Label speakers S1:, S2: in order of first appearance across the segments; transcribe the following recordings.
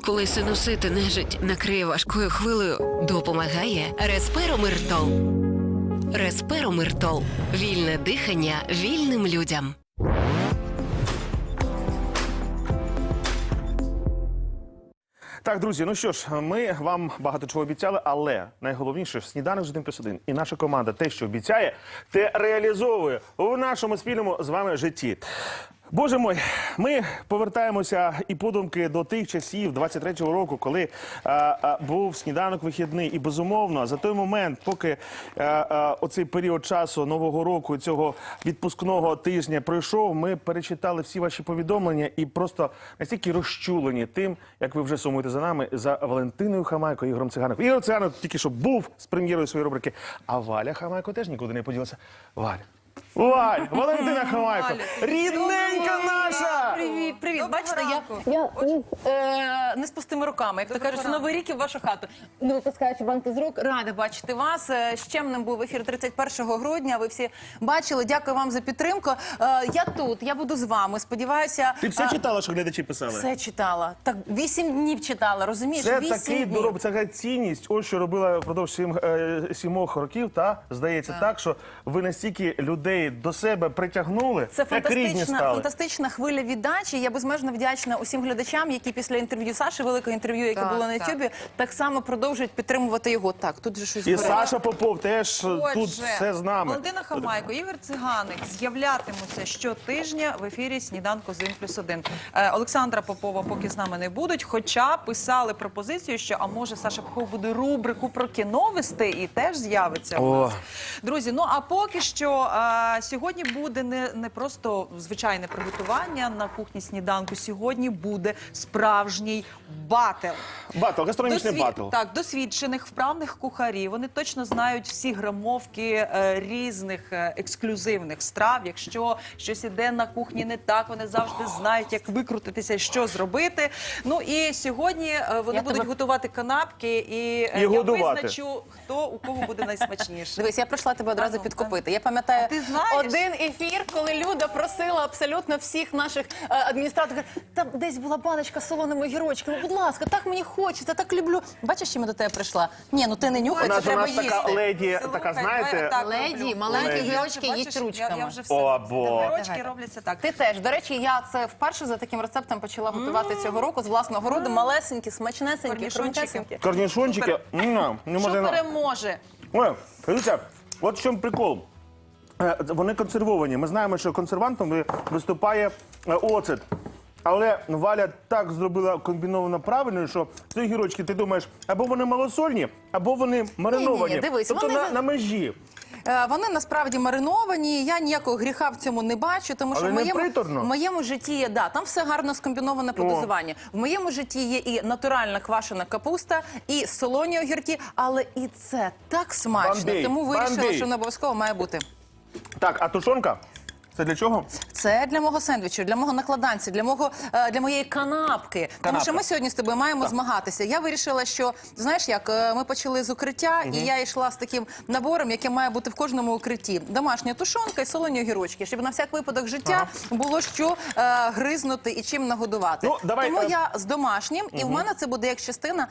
S1: Коли синусити нежить накриє важкою хвилею, допомагає Респиромиртол. Респиромиртол. Вільне дихання вільним людям.
S2: Так, друзі, ну що ж, ми вам багато чого обіцяли, але найголовніше – сніданок з 1+1. І наша команда те, що обіцяє, те реалізовує у нашому спільному з вами житті. Боже мой, ми повертаємося і подумки до тих часів 23-го року, коли був сніданок вихідний. І безумовно, за той момент, поки оцей період часу Нового року, цього відпускного тижня пройшов, ми перечитали всі ваші повідомлення і просто настільки розчулені тим, як ви вже сумуєте за нами, за Валентиною Хамайко і Ігорем Цигаником. Ігор Циганик тільки що був з прем'єрою своєї рубрики, а Валя Хамайко теж нікуди не поділася. Валь, Валентина Хамайко, рідненька наша!
S3: Привіт, привіт. Бачите, я не з пустими руками, як то кажуть, Новий рік і в вашу хату. Не випускаючи банки з рук, рада бачити вас. Щемним був ефір 31 грудня, ви всі бачили. Дякую вам за підтримку. Я тут, я буду з вами, сподіваюся.
S2: Ти все читала, що глядачі писали?
S3: Все читала. Так, 8 днів читала, розумієш?
S2: Це
S3: 8
S2: такий
S3: днів.
S2: дороб, це така цінність, ось що робила впродовж 7 років, та, здається, так, що ви настільки людей до себе притягнули,
S3: Це
S2: як рідні стали.
S3: фантастична хвиля віддачі. Я безмежно вдячна усім глядачам, які після інтерв'ю Саші, великого інтерв'ю, яке було на Ютубі, так само продовжують підтримувати його. Так, тут же щось
S2: І
S3: горить.
S2: Саша Попов теж тут все з нами.
S4: Валентина Хамайко, Ігор Циганик з'являтимуться щотижня в ефірі «Сніданку з 1+1». Олександра Попова поки з нами не будуть, хоча писали пропозицію, що, а може, Саша Попов буде рубрику про кіно вести і теж з'явиться у нас. Друзі, ну а поки що сьогодні буде не просто звичайне приготування на кухні сніданку, сьогодні буде справжній батл.
S2: Батл, гастрономічний батл.
S4: Так, досвідчених, вправних кухарів. Вони точно знають всі грамовки різних ексклюзивних страв. Якщо щось іде на кухні не так, вони завжди знають, як викрутитися, що зробити. Ну і сьогодні вони будуть готувати канапки, і я визначу, хто у кого буде найсмачніше.
S3: Дивись, я прийшла тебе одразу підкупити. Я пам'ятаю один ефір, коли Люда просила абсолютно всіх наших адміністраторів. Там десь була баночка з солоними огірочками. Будь ласка, так мені хочеться, так люблю. Бачиш, чим я до тебе прийшла? Ні, ну ти не нюхай, це треба їсти.
S2: У нас така леді, така, знаєте...
S3: Леді, маленькі огірочки їсть ручками.
S4: Я вже все. Огірочки робляться так.
S3: Ти теж. До речі, я це вперше за таким рецептом почала готувати цього року з власного роду. Малесенькі, смачнесенькі, хрумтесенькі.
S2: Корнішончики.
S4: Що переможе?
S2: Ой, дивіться, от в чому прикол. Вони консервовані. Ми знаємо, що консервантом виступає оцет. Але Валя так зробила комбіновано правильно, що ці огірочки, ти думаєш, або вони малосольні, або вони мариновані.
S3: Ні, дивись,
S2: тобто
S3: вони
S2: на межі.
S3: Вони насправді мариновані, я ніякого гріха в цьому не бачу, тому що в моєму житті є, там все гарно скомбіноване по дозуванню. В моєму житті є і натуральна квашена капуста, і солоні огірки, але і це так смачно, тому вирішила, що не обов'язково має бути.
S2: Так, а тушонка? Це для чого?
S3: Це для мого сендвічу, для мого накладанця, для моєї канапки. Тому що ми сьогодні з тобою маємо змагатися. Я вирішила, що, знаєш як, ми почали з укриття, і я йшла з таким набором, який має бути в кожному укритті. Домашня тушонка і солоні огірочки, щоб на всяк випадок життя було що гризнути і чим нагодувати. Тому я з домашнім, і в мене це буде як частина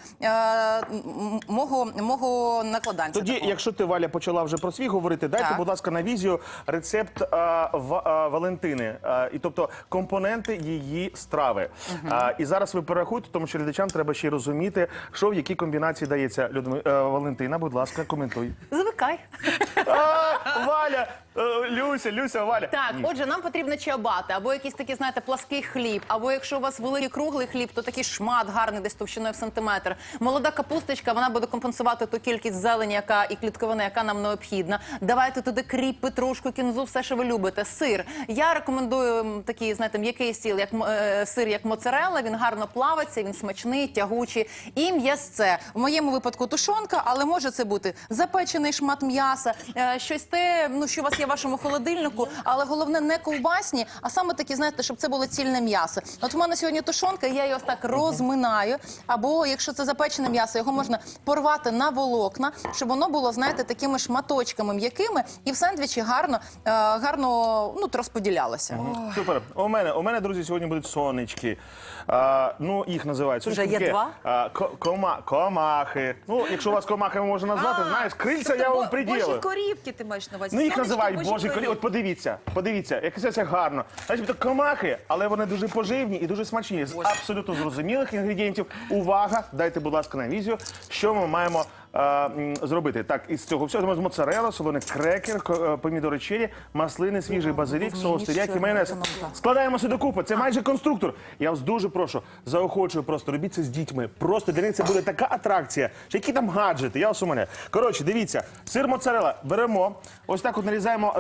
S3: мого накладанця.
S2: Тоді, якщо ти, Валя, почала вже про свій говорити, дайте, будь ласка, на візію рецепт Валентини, і тобто компоненти її страви. І зараз ви перерахуйте, тому що глядачам треба ще й розуміти, що в якій комбінації дається. Валентина, будь ласка, коментуй.
S3: Звикай.
S2: Валя, Люся, Валя.
S3: Так, отже, нам потрібно чиабати, або якийсь такий, знаєте, плаский хліб, або якщо у вас великий круглий хліб, то такий шмат гарний, десь товщиною в сантиметр. Молода капусточка, вона буде компенсувати ту кількість зелені, і клітковини, яка нам необхідна. Давайте туди кріп, петрушку, кінзу, все, що ви любите. Сир. Я рекомендую такий, знаєте, м'який сир, як моцарелла, він гарно плавиться, він смачний, тягучий. І м'ясце. В моєму випадку тушонка, але може це бути запечений шмат м'яса, щось те, що у вас є в вашому холодильнику, але головне не ковбасні, а саме такі, знаєте, щоб це було цільне м'ясо. От в мене сьогодні тушонка, я її ось так розминаю, або якщо це запечене м'ясо, його можна порвати на волокна, щоб воно було, знаєте, такими шматочками м'якими і в сендвічі гарно розподілялося.
S2: Супер. У мене, друзі, сьогодні будуть сонечки. Ну, їх називають.
S3: Вже є два?
S2: Комахи. Ну, якщо вас комахами можна назвати, знаєш, крильця я вам приділю.
S4: Божі корівки ти маєш на увазі.
S2: Ну, їх
S4: Сонечки,
S2: називають
S4: божі
S2: божі
S4: корівки.
S2: корі. От подивіться, як це гарно. Значить, то комахи, але вони дуже поживні і дуже смачні. З абсолютно зрозумілих інгредієнтів. Увага, дайте, будь ласка, на візію, що ми маємо зробити. Так, із цього всього моцарелла, солоний крекер, помідори черрі, маслини, свіжий базилік, соус теріякі, майонез. Складаємо все докупи. Це майже конструктор. Я вас дуже прошу, заохочую просто, робіть це з дітьми. Просто для них це буде така атракція, що які там гаджети, я вас умоляю. Коротше, дивіться, сир моцарелла беремо, ось так от нарізаємо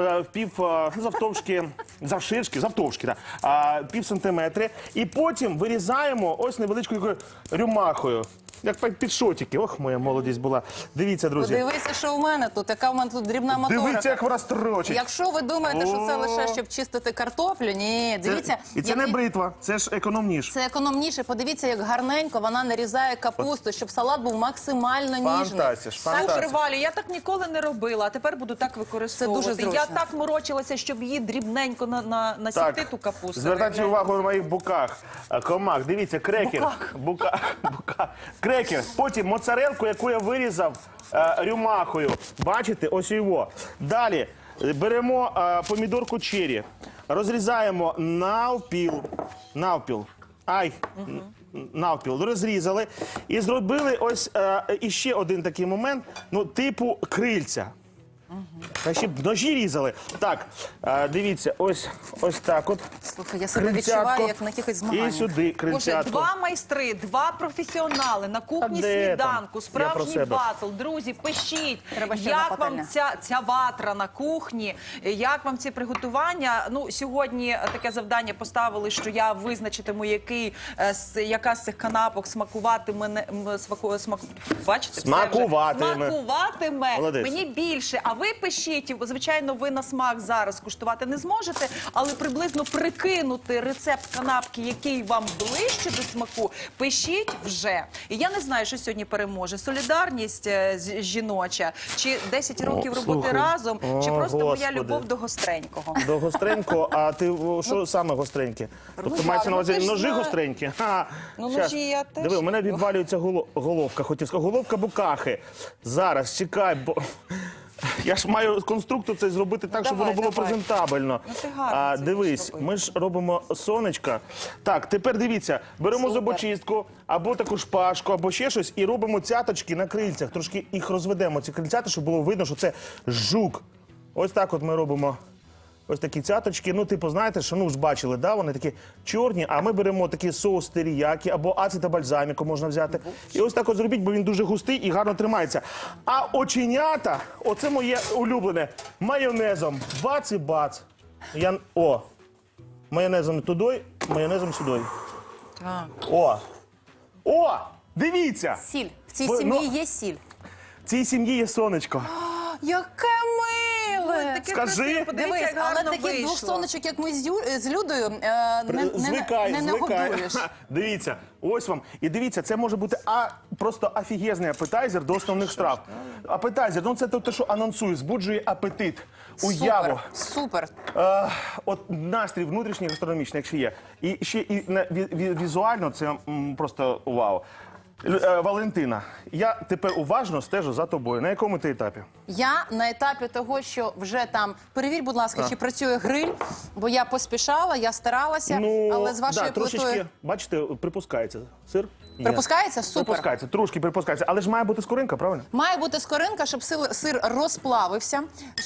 S2: завтовшки, пів сантиметри, і потім вирізаємо ось невеличкою рюмахою. Як під шотики. Ох, моя молодість була. Дивіться, друзі.
S3: Подивися, що у мене тут, яка в мене тут дрібна моторика.
S2: Дивіться, як вона строчить.
S3: Якщо ви думаєте, що це лише щоб чистити картоплю, ні, дивіться.
S2: І це не бритва, це ж економніше.
S3: Це економніше. Подивіться, як гарненько вона нарізає капусту, щоб салат був максимально ніжний.
S4: Супер, Валі, я так ніколи не робила, а тепер буду так використовувати.
S3: Це дуже зручно.
S4: Я так морочилася, щоб її дрібненько насікти ту капусту.
S2: Звертайте увагу на моїх буках. Комах, дивіться, крекер. Буках. Крекер. Потім моцарелку, яку я вирізав рюмахою. Бачите? Ось його. Далі беремо помідорку черрі. Розрізаємо навпіл. Навпіл. Розрізали. І зробили ось іще один такий момент, ну, типу крильця. Та ще б ножі різали. Так, дивіться, ось так от.
S3: Слухай, я себе відчуваю, як на якихось змаганнях.
S2: І сюди
S4: Боже,
S2: крильцятко.
S4: два майстри, два професіонали на кухні
S2: Та де там?
S4: сніданку,
S2: Я про
S4: справжній
S2: себе.
S4: батл. Друзі, пишіть,
S3: Треба ще
S4: як
S3: одна
S4: вам
S3: пательня.
S4: ця ватра на кухні, як вам ці приготування. Ну, сьогодні таке завдання поставили, що я визначитиму, яка з цих канапок смакуватиме. Бачите? Смакуватиме
S2: Молодець.
S4: мені більше. А ви пишіть, звичайно, ви на смак зараз куштувати не зможете, але приблизно прикинути рецепт канапки, який вам ближче до смаку, пишіть вже. І я не знаю, що сьогодні переможе. Солідарність жіноча, чи 10 років роботи
S2: слухай.
S4: разом, чи просто моя
S2: Господи.
S4: любов до гостренького.
S2: До гостренького, а ти що саме гостреньке? Тобто мається на увазі
S4: ти ж
S2: ножі
S4: знаєш.
S2: гостренькі?
S4: Ну,
S2: Щас.
S4: ножі я теж
S2: Диви, у мене
S4: люблю.
S2: відвалюється головка, хотів сказати. Головка букахи. Зараз, чекай, бо... Я ж маю конструктор цей зробити так, щоб
S4: давай,
S2: воно було
S4: давай.
S2: презентабельно.
S4: Ну, ти гарно це
S2: Дивись,
S4: будеш робити.
S2: ми ж робимо сонечка. Так, тепер дивіться, беремо
S4: Супер.
S2: зубочистку, або таку шпажку, або ще щось, і робимо цяточки на крильцях. Трошки їх розведемо, ці крильцята, щоб було видно, що це жук. Ось так от ми робимо. Ось такі цяточки, ну, типу, знаєте, що, ну, ж бачили, да, вони такі чорні, а ми беремо такий соус теріякі або ацета бальзаміко можна взяти. І ось так от зробіть, бо він дуже густий і гарно тримається. А оченята, оце моє улюблене, майонезом. Бац і бац. Майонезом туди, майонезом сюди.
S4: Так.
S2: О, дивіться,
S3: Сіль. В цій
S2: Ви-
S3: сім'ї
S2: ну-
S3: є сіль.
S2: в цій сім'ї є сонечко.
S3: Яке миле!
S4: Таке
S2: Скажи.
S4: красиве, подивіться,
S3: Дивись,
S4: як
S3: але
S4: гарно
S3: таких двох
S4: вийшло.
S3: сонечок, як ми з Людою, не
S2: Звикай.
S3: нагодуєш.
S2: Дивіться, ось вам. І дивіться, це може бути просто офігезний апетайзер до основних страв. Апетайзер, ну це те, що анонсує, збуджує апетит, уяву.
S3: Супер.
S2: От настрій внутрішній гастрономічний, якщо є. І ще і візуально це просто вау. Валентина, я тепер уважно стежу за тобою. На якому ти етапі?
S3: Я на етапі того, що вже там, перевір, будь ласка, чи працює гриль, бо я поспішала, я старалася, але з вашою
S2: трошечки,
S3: плитою...
S2: бачите, припускається сир. Є.
S3: Припускається? Супер.
S2: Припускається, трошки припускається. Але ж має бути скоринка, правильно?
S3: Має бути скоринка, щоб сир розплавився,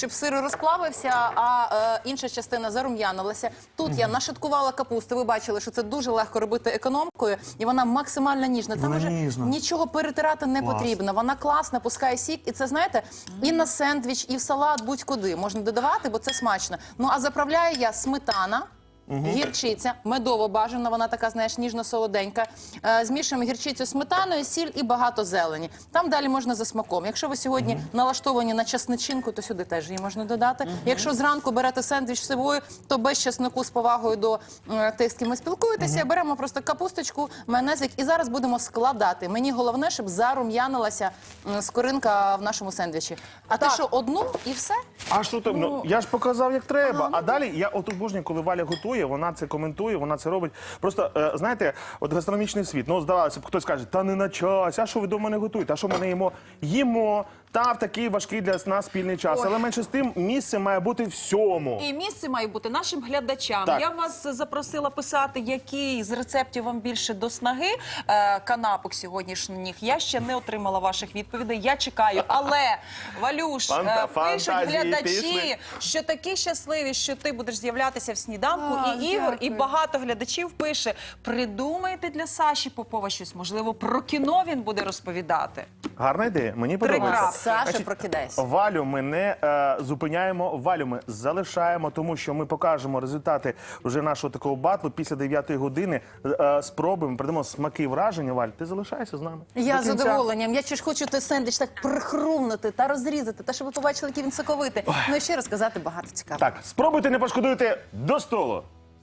S3: а інша частина зарум'янилася. Тут я нашаткувала капусту, ви бачили, що це дуже легко робити економкою, і вона максимально ніжна. Там вже нічого перетирати не потрібно. Вона класна, пускає сік, і це, знаєте, і на сендвіч, і в салат, будь-куди можна додавати, бо це смачно. Ну, а заправляю я сметана, гірчиця, медово бажано, вона така, знаєш, ніжно-солоденька. Змішуємо гірчицю з сметаною, сіль і багато зелені. Там далі можна за смаком. Якщо ви сьогодні налаштовані на часничинку, то сюди теж її можна додати. Якщо зранку берете сендвіч з собою, то без чеснику з повагою до тих, з ким ви спілкуєтеся, беремо просто капусточку, майонезик і зараз будемо складати. Мені головне, щоб зарум'янилася скоринка в нашому сендвічі. А ти що, одну і все?
S2: А що там? Ну, я ж показав, як треба. А далі я от обожнюю, коли Валя готує, вона це коментує, вона це робить. Просто, знаєте, от гастрономічний світ, ну, здавалося б, хтось каже, та не на час, а що ви дома не готуєте, а що ми не їмо? Їмо, та в такий важкий для нас спільний час. Але менше з тим, місце має бути всьому.
S4: І місце має бути нашим глядачам.
S2: Так.
S4: Я вас запросила писати, який з рецептів вам більше до снаги канапок сьогоднішніх. Я ще не отримала ваших відповідей. Я чекаю. Але, Валюш, пишуть
S2: фантазії,
S4: глядачі,
S2: пісні.
S4: що такі щасливі, що ти будеш з'являтися в сніданку. І Ігор, і
S3: дякую.
S4: багато глядачів пише, придумайте для Саші Попова щось. Можливо, про кіно він буде розповідати.
S2: Гарна ідея, мені подобається.
S4: крапки.
S3: Саша,
S2: Значить,
S3: прокидайся.
S2: Валю ми не зупиняємо, Валю ми залишаємо, тому що ми покажемо результати вже нашого такого батлу. Після 9-ї години спробуємо, придамо смаки і враження. Валь, ти залишайся з нами.
S3: Я
S2: До
S3: з
S2: кінця.
S3: задоволенням. Я ще ж хочу той сендвіч так прихрумнути та розрізати, та щоб ви побачили, який він соковитий. Ну і ще розказати багато цікавого.
S2: Так, спробуйте, не пошкодуйте, до столу.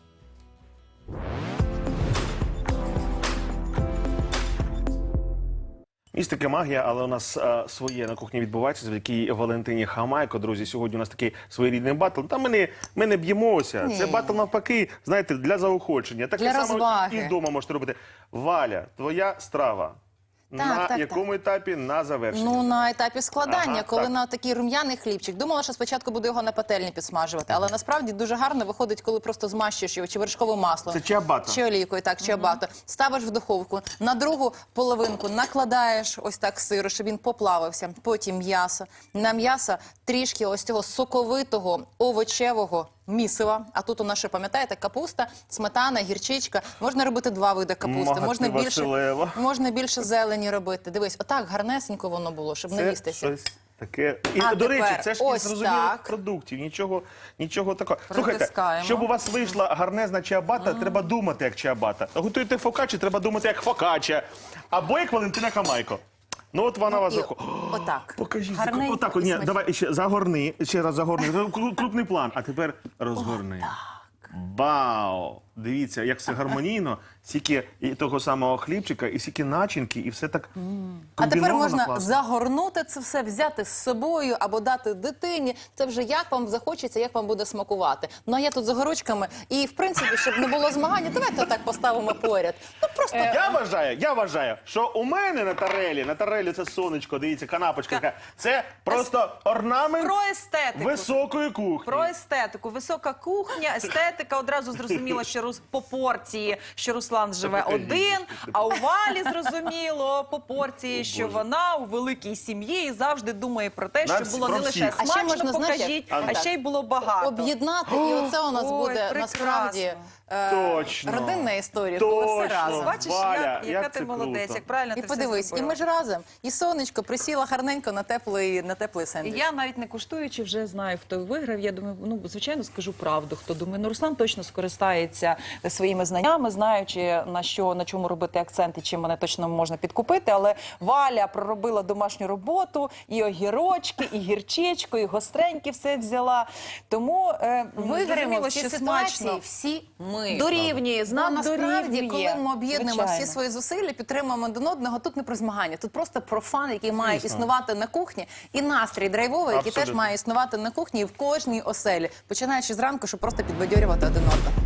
S2: Містика магія, але у нас своє на кухні відбувається завдяки Валентині Хамайко. Друзі, сьогодні у нас такий своєрідний батл. Та ми не б'ємося.
S3: Ні.
S2: Це батл навпаки, знаєте, для заохочення. Так
S3: Для
S2: само
S3: розваги.
S2: і вдома можете робити. Валя, твоя страва. На
S3: так,
S2: якому етапі? На завершенні.
S3: Ну, на етапі складання,
S2: Ага,
S3: коли
S2: так.
S3: на такий рум'яний хлібчик. Думала, що спочатку буду його на пательні підсмажувати, але насправді дуже гарно виходить, коли просто змащуєш його чи вершковим маслом.
S2: Це чиабата.
S3: Чи олійкою, так, чиабата. Ставиш в духовку, на другу половинку накладаєш ось так сиру, щоб він поплавився. Потім м'ясо. На м'ясо трішки ось цього соковитого овочевого місива. А тут у нас ще, пам'ятаєте, капуста, сметана, гірчичка. Можна робити два види капусти.
S2: Мати Василева.
S3: Можна більше зелені робити. Дивись, отак гарнесенько воно було, щоб не
S2: Це
S3: їстися.
S2: щось таке. І,
S3: А
S2: до речі,
S3: тепер
S2: це ж
S3: ось
S2: із зрозумілих
S3: так.
S2: продуктів. Нічого такого. Слухайте,
S4: Притискаємо.
S2: щоб у вас вийшла гарнезна чиабата, треба думати як чиабата. Готуєте фокаччі, треба думати як фокачча. Або як Валентина Хамайко. Ну от вона вас
S3: І
S2: заходить.
S3: отак.
S2: Покажіть.
S3: Гарненько
S2: Отак,
S3: і
S2: ні,
S3: смачно.
S2: давай ще загорни, ще раз загорни. Крупний план. А тепер розгорни. Вау! Дивіться, як все гармонійно, стільки і того самого хлібчика, і стільки начинки, і все так
S3: А тепер
S2: комбіновано
S3: можна
S2: класно.
S3: загорнути це все, взяти з собою або дати дитині. Це вже як вам захочеться, як вам буде смакувати. Ну а я тут з огорочками. І в принципі, щоб не було змагання, давайте так поставимо поряд. Ну просто
S2: Я вважаю, що у мене на тарелі це сонечко, дивіться, канапочка така. Це просто орнамент
S4: Про естетику.
S2: високої кухні.
S4: Про естетику. Висока кухня, естетика. Одразу зрозуміло, що по порції, що Руслан живе
S2: покажіть,
S4: один, а у Валі зрозуміло по порції, що вона у великій сім'ї і завжди думає про те,
S2: На
S4: що
S2: всі-
S4: було
S2: про
S4: не лише
S2: всіх.
S3: А ще
S4: смачно,
S3: можна, знаєш,
S4: покажіть,
S2: як?
S4: а ще й було багато.
S3: об'єднати, і оце у нас
S4: Ой,
S3: буде
S4: прекрасно.
S3: насправді
S2: Точно.
S3: родинна історія, коли все
S2: Точно.
S3: разом.
S4: Бачиш,
S2: Валя,
S4: яка
S2: як
S4: ти
S2: це
S4: молодець,
S2: круто.
S4: як правильно
S3: І
S4: ти все
S3: подивись, і
S4: зробила.
S3: ми ж разом. І сонечко присіла гарненько на теплий сендвіч.
S4: Я навіть не куштуючи вже знаю, хто виграв. Я думаю, ну звичайно скажу правду. Хто думає, ну Руслан точно скористається своїми знаннями, знаючи на чому робити акцент і чим мене точно можна підкупити. Але Валя проробила домашню роботу, і огірочки, і гірчичку, і гостренькі все взяла. Тому
S3: Виграємо
S4: зрозуміло,
S3: в цій
S4: що
S3: ситуації
S4: смачно.
S3: всі ми.
S4: Дорівнює,
S3: Ну,
S4: знак
S3: насправді,
S4: дорівнює.
S3: коли ми об'єднуємо всі
S4: Звичайно.
S3: свої зусилля, підтримуємо один одного, тут не про змагання, тут просто про фан, який має існувати на кухні, і настрій драйвовий, який теж
S2: Абсолютно.
S3: має існувати на кухні і в кожній оселі, починаючи зранку, щоб просто підбадьорювати один одного.